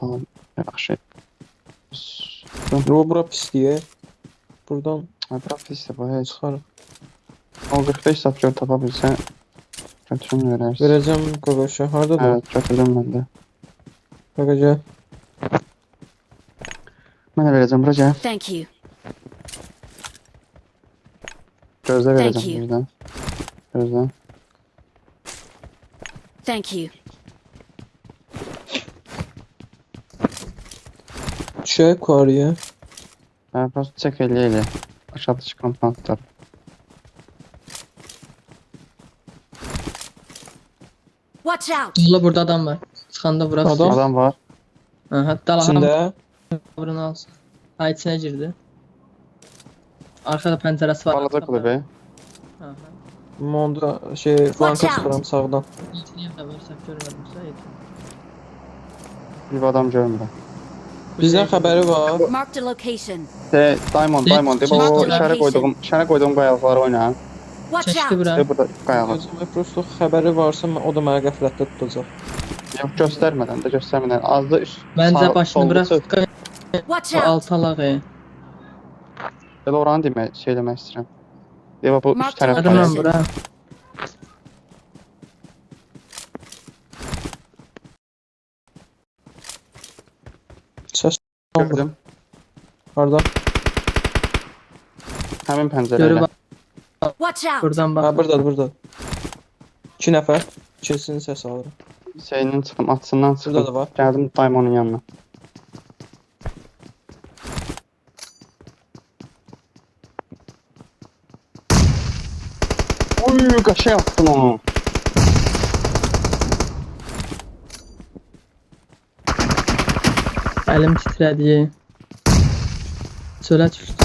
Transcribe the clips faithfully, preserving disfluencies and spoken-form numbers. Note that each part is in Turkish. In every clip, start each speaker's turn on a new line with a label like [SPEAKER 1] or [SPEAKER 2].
[SPEAKER 1] Tamam. Yaxşı.
[SPEAKER 2] Yo, bura pis diye. Buradan
[SPEAKER 1] Bura pisdir bu. Heç.
[SPEAKER 2] çıxarıq.
[SPEAKER 1] O qırx beş sapkör tapa bilsən götürüm verərsin.
[SPEAKER 2] Verəcəm Qaqaşa. Hardadır?
[SPEAKER 1] Evet, götürdüm mən də.
[SPEAKER 2] Qaqa gəl.
[SPEAKER 1] Mən də verəcəm bura gəl.
[SPEAKER 3] Thank you.
[SPEAKER 1] Gözlə
[SPEAKER 3] Thank
[SPEAKER 1] verəcəm
[SPEAKER 3] you.
[SPEAKER 1] birdən. Gözlə.
[SPEAKER 3] Thank you.
[SPEAKER 2] Düşək yuxarıya.
[SPEAKER 1] Hə, prosto çək elə elə. Aşağıda çıxan pantlar.
[SPEAKER 3] Watch out.
[SPEAKER 4] Ulan burada adam var. Çıxanda bura
[SPEAKER 2] Adam?
[SPEAKER 4] tutuyor.
[SPEAKER 1] Adam var.
[SPEAKER 4] Ha, hatta Allah
[SPEAKER 2] İçində.
[SPEAKER 4] bunu alsın. Ha, içine girdi. Arkada penceresi var.
[SPEAKER 1] Balaca kulübə.
[SPEAKER 4] Ha, ha.
[SPEAKER 2] Monda şey flanka
[SPEAKER 3] out.
[SPEAKER 2] çıxıram sağdan.
[SPEAKER 4] İçine de varsa görmedimse yeter.
[SPEAKER 1] Bir adam görmürəm.
[SPEAKER 2] Bizdən xəbəri var.
[SPEAKER 3] Marked a location.
[SPEAKER 1] De, Diamond,
[SPEAKER 4] De,
[SPEAKER 1] Diamond. De, bu
[SPEAKER 3] Marked
[SPEAKER 1] işarə
[SPEAKER 3] location.
[SPEAKER 1] qoyduğum, işarə qoyduğum qayalıqları oyna.
[SPEAKER 3] Watch
[SPEAKER 4] Çeşdi
[SPEAKER 3] out.
[SPEAKER 4] bura.
[SPEAKER 1] De, burada qayalı.
[SPEAKER 2] Gözümə prosto xəbəri varsa mən- o da mənə qəflətdə tutacaq.
[SPEAKER 1] Yox, göstərmədən də, göstərmədən. Az da üst.
[SPEAKER 4] Bence
[SPEAKER 1] sağ-
[SPEAKER 4] başını
[SPEAKER 1] solda
[SPEAKER 4] bırak.
[SPEAKER 1] çıx.
[SPEAKER 3] Watch
[SPEAKER 4] Bu
[SPEAKER 3] out.
[SPEAKER 4] alt alağı.
[SPEAKER 1] Elə oranı demək, şey eləmək istəyirəm. Deva bu üst
[SPEAKER 3] Marked
[SPEAKER 1] tərəf
[SPEAKER 4] Adam
[SPEAKER 3] location.
[SPEAKER 1] qayalı.
[SPEAKER 4] lan bura.
[SPEAKER 2] Səs
[SPEAKER 1] Gördüm.
[SPEAKER 2] harda?
[SPEAKER 1] Həmin
[SPEAKER 4] Görü
[SPEAKER 1] pəncərəyə.
[SPEAKER 4] bak.
[SPEAKER 3] Watch out.
[SPEAKER 4] Buradan
[SPEAKER 2] Ha,
[SPEAKER 4] bak.
[SPEAKER 2] buradadır, buradadır. İki nəfər. İkisinin səsi alırım.
[SPEAKER 1] Şeyindən çıxdım, açısından
[SPEAKER 2] Burada da
[SPEAKER 1] çıxdım.
[SPEAKER 2] var.
[SPEAKER 1] Gəldim Diamond'un yanına. Oy, qaşa yaptım onu.
[SPEAKER 4] Elim titredi. Çölə düşdü.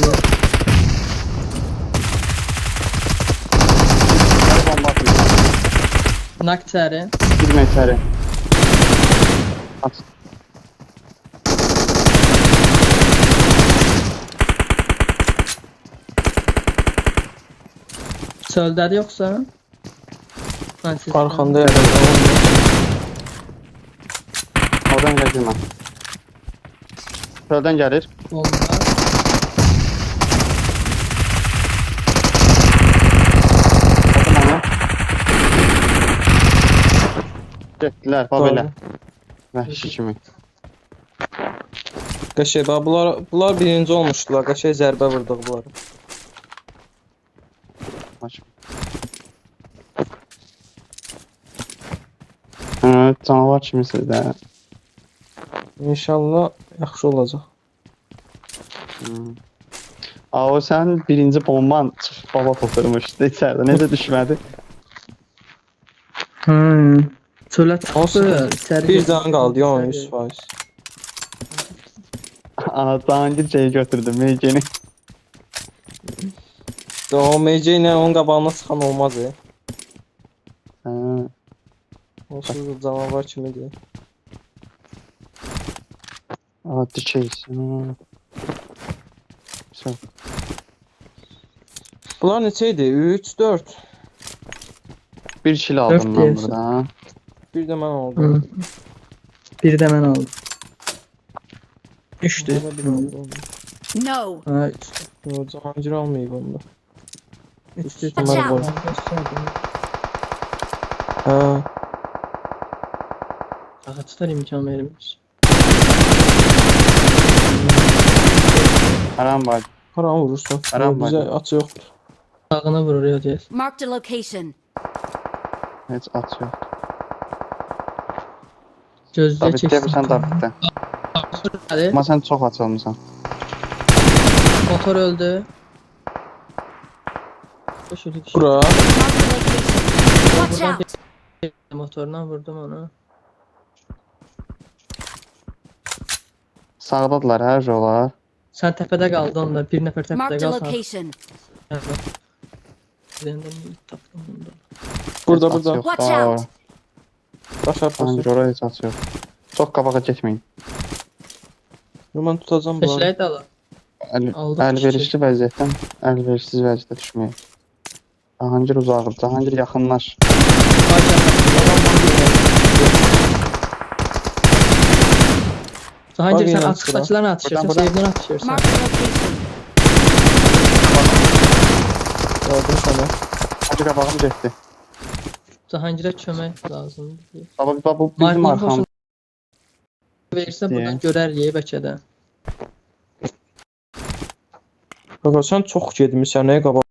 [SPEAKER 1] Gəl bomba atayım.
[SPEAKER 4] Nak içəri.
[SPEAKER 1] Girmə içəri. At.
[SPEAKER 4] Çöldədir yoxsa? Ha, siz-
[SPEAKER 2] Arxanda yerdə.
[SPEAKER 1] Oradan gəl girmə. Çöldən gəlir.
[SPEAKER 4] Bomba.
[SPEAKER 1] Atım onu. Getdilər, bax belə. Vəhşi kimi.
[SPEAKER 2] Qəşəng, bax bunlar bunlar birinci olmuşdular. Qəşəng zərbə vurduq bunlara.
[SPEAKER 1] Aç. Hə, canavar kimisiz də.
[SPEAKER 2] İnşallah yaxşı olacaq.
[SPEAKER 1] Hmm. Aa, o sən birinci bomban çıxıb baba oturmuşdu içəridə. Necə düşmədi?
[SPEAKER 4] Hmm. Çölə çıxdı.
[SPEAKER 2] Olsun.
[SPEAKER 4] İçəri
[SPEAKER 2] Bir
[SPEAKER 4] girdi.
[SPEAKER 2] can qaldı, ya yüz faiz.
[SPEAKER 1] Ana, Cahangir şeyi götürdü, Meyceni.
[SPEAKER 2] O M C ilə onun qabağına çıxan olmaz ya.
[SPEAKER 1] Hə,
[SPEAKER 2] Onsuz da canavar kimidir.
[SPEAKER 1] aa, dikeysin. Sən.
[SPEAKER 2] Bunlar neçə idi? üç, dörd.
[SPEAKER 1] Bir kilo aldım
[SPEAKER 4] Dört
[SPEAKER 1] ben
[SPEAKER 4] diyorsun.
[SPEAKER 1] burada.
[SPEAKER 2] Bir də mən
[SPEAKER 4] Hı.
[SPEAKER 2] aldım.
[SPEAKER 4] Bir de ben aldım. Üçtü.
[SPEAKER 2] Bana bir aldım.
[SPEAKER 3] No.
[SPEAKER 4] Ha, üç.
[SPEAKER 2] Yo, Cahangir almayıb onda.
[SPEAKER 4] Üçtü.
[SPEAKER 2] Watch
[SPEAKER 3] out.
[SPEAKER 4] Tamam, gösterdim.
[SPEAKER 2] Hə.
[SPEAKER 4] Ağaçlar imkan verilmiş.
[SPEAKER 1] Haram var.
[SPEAKER 2] Haram vurursun.
[SPEAKER 1] Haram
[SPEAKER 2] Yo, bizə
[SPEAKER 1] var.
[SPEAKER 2] açı yoxdur.
[SPEAKER 4] Sağına vuruyor diye.
[SPEAKER 3] Marked a location.
[SPEAKER 1] Heç at yok.
[SPEAKER 4] Gözlüğe
[SPEAKER 1] David
[SPEAKER 4] çeksin.
[SPEAKER 1] deyəsən David'də.
[SPEAKER 4] Hadi.
[SPEAKER 1] Amma sən çox aç olmusan.
[SPEAKER 4] Motor öldü. Şöyle bir şey.
[SPEAKER 2] Bura.
[SPEAKER 3] Marked a location. Watch
[SPEAKER 4] Buradan
[SPEAKER 3] out.
[SPEAKER 4] bir motoruna vurdum onu.
[SPEAKER 1] Sağdadılar hər jolar.
[SPEAKER 4] Sen tepede kaldın onda. Bir nefer tepede
[SPEAKER 3] Marked a
[SPEAKER 4] kaldı.
[SPEAKER 3] location.
[SPEAKER 4] Üzerinden taktım bunda.
[SPEAKER 2] Burada,
[SPEAKER 1] Heç at
[SPEAKER 2] burada.
[SPEAKER 1] yox
[SPEAKER 3] Watch
[SPEAKER 1] da.
[SPEAKER 3] out.
[SPEAKER 2] Baş arxası.
[SPEAKER 1] Cahangir oraya heç at yox. Çox qabağa getməyin.
[SPEAKER 2] Yo, mən tutacam bunları.
[SPEAKER 4] Peşleyi de alın.
[SPEAKER 1] Əl,
[SPEAKER 4] Aldıq
[SPEAKER 1] əlverişli vəziyyətdən əlverişsiz vəziyyətə düşməyin. Cahangir uzaqdır. Cahangir yaxınlaş.
[SPEAKER 4] Cahangir
[SPEAKER 2] Bak
[SPEAKER 4] sen
[SPEAKER 2] yine
[SPEAKER 4] açıqdakılarını atışırsan,
[SPEAKER 1] Buradan, buradan.
[SPEAKER 4] evdən atışırsan.
[SPEAKER 3] Marked a location.
[SPEAKER 2] Gördüm səni.
[SPEAKER 1] Hacı qabağım getdi.
[SPEAKER 4] Cahangirə kömək lazımdır.
[SPEAKER 1] Baba, baba bu bizim
[SPEAKER 4] Markın
[SPEAKER 1] arxamız.
[SPEAKER 4] boşun verirsə buradan görərik bəlkə də.
[SPEAKER 2] Qaqa sən çox getmisən, nə qabağa?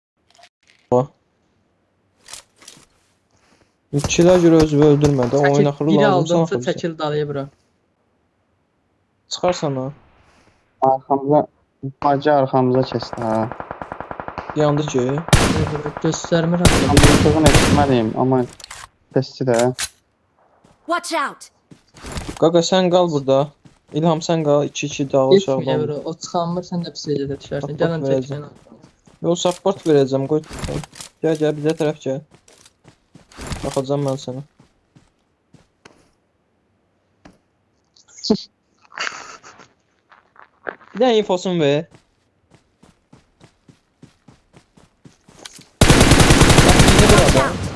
[SPEAKER 2] İkilər görə özünü öldürmə də, oyun
[SPEAKER 4] Çəkil,
[SPEAKER 2] axırı
[SPEAKER 4] biri
[SPEAKER 2] lazımsan
[SPEAKER 4] aldımsa
[SPEAKER 2] axırı.
[SPEAKER 4] çəkil dalıya bura.
[SPEAKER 2] Çıxarsan ha.
[SPEAKER 1] Arxamıza, bacı arxamıza keçdi ha.
[SPEAKER 2] Yandı ki.
[SPEAKER 4] Göstərmir hatta.
[SPEAKER 1] Arxamıza etməliyim, amma testi də.
[SPEAKER 3] Watch out!
[SPEAKER 2] Qaqa sən qal burada. İlham sən qal, iki iki dağılışaq.
[SPEAKER 4] Getməyə bura. O çıxanmır, sən də pis yerdə düşərsən.
[SPEAKER 2] Support
[SPEAKER 4] Gələn
[SPEAKER 2] verəcəm.
[SPEAKER 4] çəksən.
[SPEAKER 2] Yo support verəcəm, qoy. Gəl gəl bizə tərəf gəl. Baxacağam mən sənə. Bir dənə infosunu ver. Bax, indi
[SPEAKER 3] Watch
[SPEAKER 2] burada.
[SPEAKER 3] out!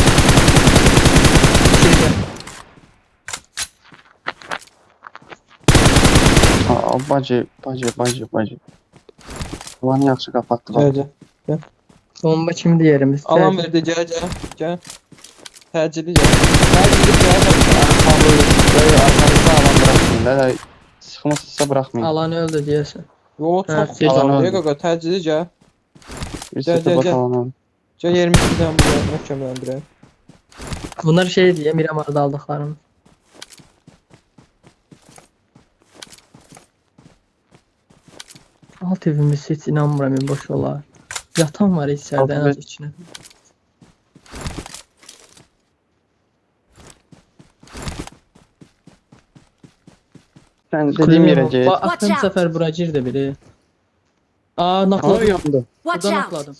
[SPEAKER 1] Aa, bacı, bacı, bacı, bacı. Ulanı yaxşı qapatdı.
[SPEAKER 2] Gəl
[SPEAKER 1] Bak.
[SPEAKER 2] gəl.
[SPEAKER 4] Bomba kimdir yerimiz?
[SPEAKER 2] Alan verdi, gəl gəl. Gəl. Təcili gəl. Təcili gəl.
[SPEAKER 1] Böyle arkamızda alan bırakmayın. Da da sıkmışsa bırakmayın.
[SPEAKER 4] Alanı öldü deyəsən.
[SPEAKER 2] Yo,
[SPEAKER 4] Ha,
[SPEAKER 2] çox
[SPEAKER 4] tez
[SPEAKER 2] alan
[SPEAKER 1] alan
[SPEAKER 2] deyək
[SPEAKER 1] öldü.
[SPEAKER 2] qaqa, təcili gəl.
[SPEAKER 1] Bir
[SPEAKER 2] Gel,
[SPEAKER 1] sete
[SPEAKER 2] gel,
[SPEAKER 1] bak
[SPEAKER 2] gel.
[SPEAKER 1] alanı.
[SPEAKER 2] Gəl iyirmi ikidən buraya möhkəmləndirək.
[SPEAKER 4] Bunlar şey diye Miramar'da aldıklarım. Alt evimiz hiç inanmıram boş olar. Yatan var içeride en az
[SPEAKER 1] Alt ev-
[SPEAKER 4] içine.
[SPEAKER 1] Sen dediğim yere
[SPEAKER 4] Bak
[SPEAKER 1] git.
[SPEAKER 4] attığım
[SPEAKER 3] Watch out.
[SPEAKER 4] sefer bura girdi biri. Aa
[SPEAKER 1] Aa
[SPEAKER 4] nakladım.
[SPEAKER 1] yandı.
[SPEAKER 3] Watch
[SPEAKER 4] Burada
[SPEAKER 3] out!
[SPEAKER 4] nakladım.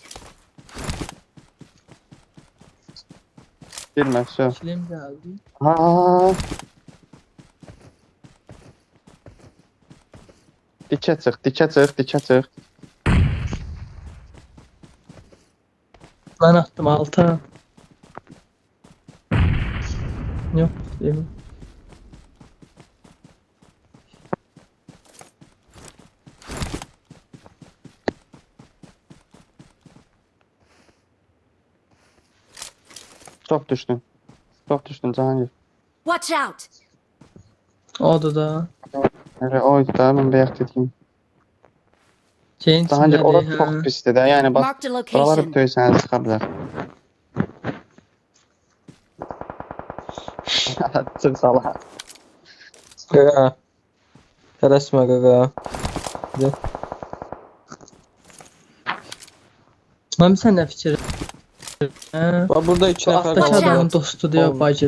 [SPEAKER 1] Girme şu.
[SPEAKER 4] Kilim geldi.
[SPEAKER 1] Aa. Dikə çıx, dikə çıx, dikə çıx.
[SPEAKER 4] Ben attım alta. Yok değil mi?
[SPEAKER 1] Çox düşdün. Çox düşdün Cahangir.
[SPEAKER 3] Watch out!
[SPEAKER 4] Oldu da.
[SPEAKER 1] Elə oydu da mən bayaq dediyim.
[SPEAKER 4] Şeyin
[SPEAKER 1] Cahangir
[SPEAKER 4] içindədir,
[SPEAKER 1] orası
[SPEAKER 4] hə.
[SPEAKER 1] çox pisdir də. Yəni bax,
[SPEAKER 3] Marked a
[SPEAKER 1] buraları
[SPEAKER 3] location.
[SPEAKER 1] döysənə çıxa bilər. Çıx sala.
[SPEAKER 2] Qaqa. Tələsmə qaqa.
[SPEAKER 4] Mami sen ne fikir? Hə?
[SPEAKER 2] Bax burada iki
[SPEAKER 4] Bu
[SPEAKER 2] nəfər
[SPEAKER 4] alttaki
[SPEAKER 3] Watch
[SPEAKER 4] adamın
[SPEAKER 3] out.
[SPEAKER 4] dostu diyor
[SPEAKER 2] Olmaz.
[SPEAKER 4] bacı.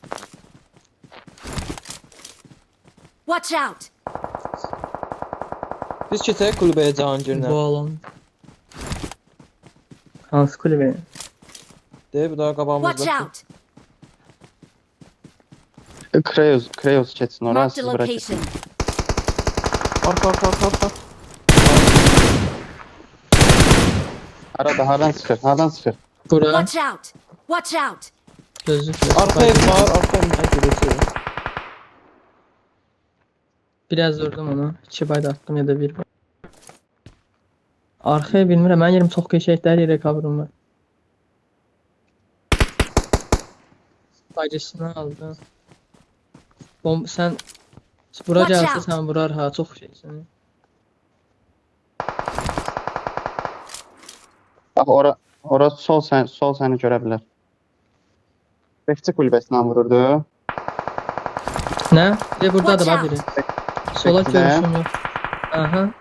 [SPEAKER 3] Watch out!
[SPEAKER 2] Biz keçək kulübəyə Cahangirlə.
[SPEAKER 4] Bu alan. Hansı kulübe?
[SPEAKER 2] Deyib, bu da
[SPEAKER 3] Watch
[SPEAKER 2] qabağımızda.
[SPEAKER 3] out!
[SPEAKER 1] Kreos, Kreos keçsin oraya,
[SPEAKER 3] Marked a
[SPEAKER 1] siz bura keçin.
[SPEAKER 3] location.
[SPEAKER 2] Arka, arka, arka, arka.
[SPEAKER 1] Arada hardan sıxır, hardan sıxır.
[SPEAKER 4] Bura
[SPEAKER 3] Watch out! Watch out!
[SPEAKER 4] gözlükle.
[SPEAKER 2] Arka ev var, arka evimizə gedəcək.
[SPEAKER 4] Biraz vurdum onu. İki bayda attım ya da bir bay. Arkaya bilmirəm. Mən yerim çox keçəkdə hər yerə kavrum var. Bacısını aldı. Bom sen bura
[SPEAKER 3] Watch
[SPEAKER 4] gəlsə
[SPEAKER 3] out.
[SPEAKER 4] sən vurar ha çox şeysən.
[SPEAKER 1] Bax ora, ora sol sən, sol səni görə bilər. Bekçi kulübəsindən vururdu.
[SPEAKER 4] Nə? De burada da
[SPEAKER 3] Watch
[SPEAKER 4] var
[SPEAKER 3] out.
[SPEAKER 4] biri. Sola
[SPEAKER 1] Bekçi də.
[SPEAKER 4] görüşüm yok. Aha.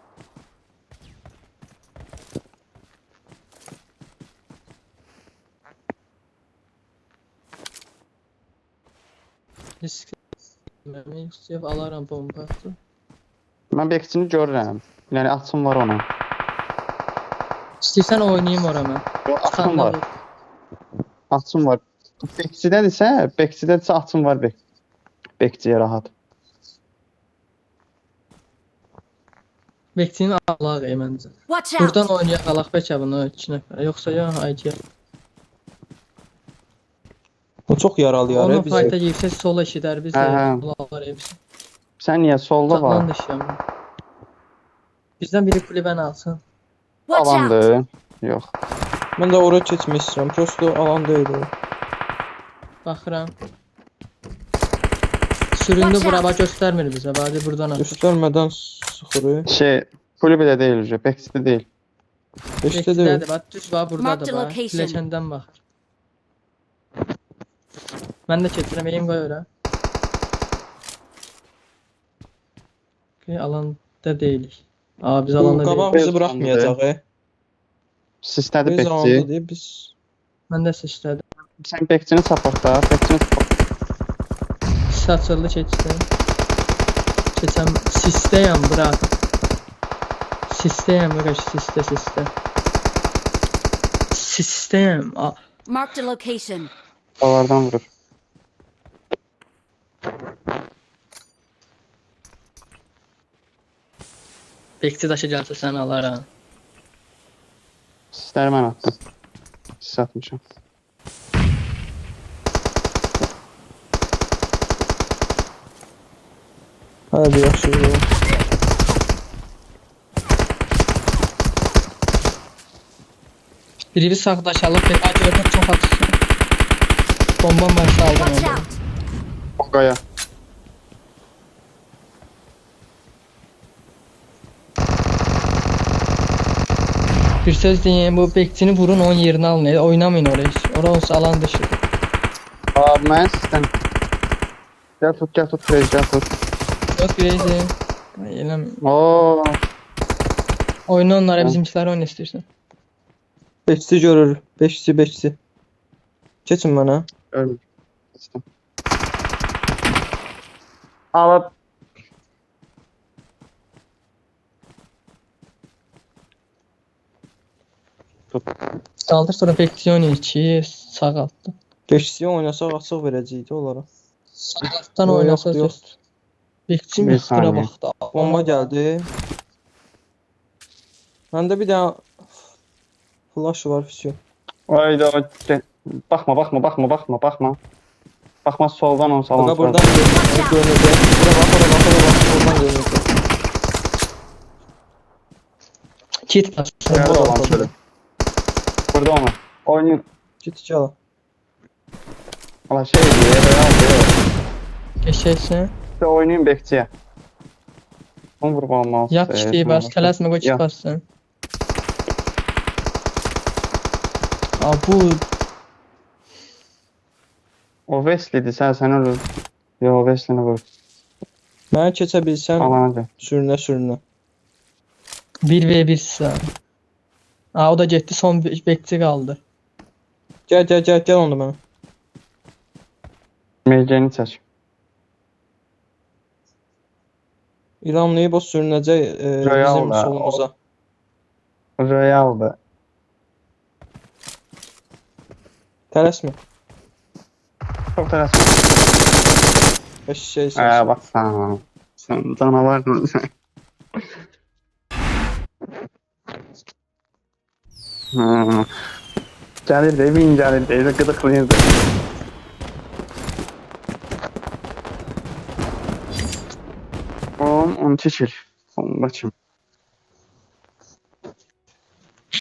[SPEAKER 4] Risk vermək istəyib alaram bomba atı.
[SPEAKER 1] Mən bekçini görürəm. Yəni açım var ona.
[SPEAKER 4] İstəyirsən oynayayım ora mən.
[SPEAKER 1] Yo, açım
[SPEAKER 4] Çıxanda
[SPEAKER 1] var.
[SPEAKER 4] vur.
[SPEAKER 1] Açım var. Bekçidədirsə, bekçidədirsə açım var bek. Bekçiyə rahat.
[SPEAKER 4] Bekçini alaq ey məncə.
[SPEAKER 3] Watch out!
[SPEAKER 4] Buradan oynayaq alaq bəlkə bunu iki nəfər. Yoxsa ya haydi.
[SPEAKER 2] O çox yaralayar
[SPEAKER 4] Onun
[SPEAKER 2] bizi.
[SPEAKER 4] fayda girsək sola eşidər biz
[SPEAKER 1] Hə,
[SPEAKER 4] də
[SPEAKER 1] hə.
[SPEAKER 4] alar hepsi.
[SPEAKER 1] Sən niyə solda
[SPEAKER 4] Uzaqdan
[SPEAKER 1] var?
[SPEAKER 4] düşüyorum. Bizden biri kulüben alsın.
[SPEAKER 3] Watch out!
[SPEAKER 1] Alandı. Yox.
[SPEAKER 2] Mən də ora keçmək istəyirəm. Prosto alan deyil o.
[SPEAKER 4] Bakıram. Süründü
[SPEAKER 3] Watch
[SPEAKER 4] bura
[SPEAKER 3] out.
[SPEAKER 4] bak göstermir bize. Bari buradan atır.
[SPEAKER 2] Göstərmədən sıxırı.
[SPEAKER 1] Şey, kulübədə deyil hocam, Bekçidə deyil.
[SPEAKER 2] Beşdə deyil.
[SPEAKER 4] Bekçidə bak düz var burada
[SPEAKER 3] Mark the
[SPEAKER 4] da var.
[SPEAKER 3] location.
[SPEAKER 4] Bileşenden bak. Ben de çektirem eğim koy öyle. Okay, alanda değiliz. Aa biz
[SPEAKER 2] Bu
[SPEAKER 4] alanda
[SPEAKER 2] qabaq
[SPEAKER 4] değiliz.
[SPEAKER 2] bizi buraxmayacaq, e.
[SPEAKER 1] Sistədir
[SPEAKER 2] Biz
[SPEAKER 1] Bekçi.
[SPEAKER 2] alanda deyil, biz...
[SPEAKER 4] Ben de sıçradım.
[SPEAKER 1] Sən Bekçini supportla, Bekçini support.
[SPEAKER 4] Saçıldı çektim. Keçem sisteyim bırak. Sisteyim bırak siste siste. Sistem. Aa,
[SPEAKER 3] Marked a location.
[SPEAKER 1] Davardan vurur.
[SPEAKER 4] bekçi taşı gelse sen alaram.
[SPEAKER 1] Sistləri mən attım. Sis atmışam.
[SPEAKER 2] Hadi yaxşı.
[SPEAKER 4] Biri bir sağdaşalıp bir acıyorduk çok atışıyor. Bombam varsa aldım
[SPEAKER 3] Watch
[SPEAKER 4] onu.
[SPEAKER 3] out!
[SPEAKER 1] O qaya.
[SPEAKER 4] Bir söz diyeyim bu bekçini vurun onun yerini alın. Oynamayın oraya. Orası olsa alan dışı.
[SPEAKER 1] Aa, mən sistem. Gəl tut, gəl tut, Crazy, gəl tut.
[SPEAKER 4] Yok Crazy. Eylem.
[SPEAKER 1] Oo,
[SPEAKER 4] Oyna onlara
[SPEAKER 1] Tamam.
[SPEAKER 4] bizimkiler oyna istiyorsan.
[SPEAKER 2] Beşçi görür. Beşçi, beşçi. Keçin mənə.
[SPEAKER 1] ölmür. Sistem. Alıp tut.
[SPEAKER 4] Saldır sonra bekçi oynuyor. iki sağ altta.
[SPEAKER 2] Beşçiyə oynasaq açıq verəcəkdi onlara.
[SPEAKER 4] Sağ alttan
[SPEAKER 2] Yok,
[SPEAKER 4] oynasa
[SPEAKER 2] yok, yok.
[SPEAKER 4] söz. Bekçi
[SPEAKER 1] Bir
[SPEAKER 4] mi sıra
[SPEAKER 1] saniye.
[SPEAKER 4] baktı.
[SPEAKER 2] Bomba gəldi. Məndə bir dənə flash var, füsyon.
[SPEAKER 1] Hayda, gel. Bakma, bakma, bakma, bakma, bakma. Bakma soldan on salon.
[SPEAKER 2] Baqa buradan görünür. Görünür. Bura bax, bura bax, bura bax. Buradan görünür.
[SPEAKER 4] Kit bas.
[SPEAKER 1] Nerede
[SPEAKER 2] Burada
[SPEAKER 1] olan
[SPEAKER 2] bakalım.
[SPEAKER 1] şöyle. Burada onu. Oyunu.
[SPEAKER 2] Git iki ala.
[SPEAKER 1] Allah şey diyor. Real diyor.
[SPEAKER 4] Geçersin.
[SPEAKER 1] İşte oynayayım bekçiye. Onu vurup almaz.
[SPEAKER 4] Yap kişiyi bas. Telasma koy kit
[SPEAKER 1] Ya.
[SPEAKER 4] bassın. Aa bu
[SPEAKER 1] O Wesley'di sen sen ölür. Yo Wesley'ni vur.
[SPEAKER 2] Mənə keçə bilsən
[SPEAKER 1] Alana gel.
[SPEAKER 2] sürünə sürünə.
[SPEAKER 4] bir ve bir sağ. Aa o da gitti son be- bekçi kaldı.
[SPEAKER 2] Gəl, gəl, gəl, gəl onu mənə.
[SPEAKER 1] Meyceni çək.
[SPEAKER 2] İranlıyı boş sürünəcək e,
[SPEAKER 1] Royal
[SPEAKER 2] bizim
[SPEAKER 1] da,
[SPEAKER 2] solumuza.
[SPEAKER 1] Real'dı.
[SPEAKER 2] Tələsmə.
[SPEAKER 1] Çok teras.
[SPEAKER 2] Beş şey
[SPEAKER 1] Ee,
[SPEAKER 2] sən.
[SPEAKER 1] bak sen. Sen canavardın sen. Hmm. Gelir de bin gelir de gıdıklıyız. On, on çeşil. On bakayım.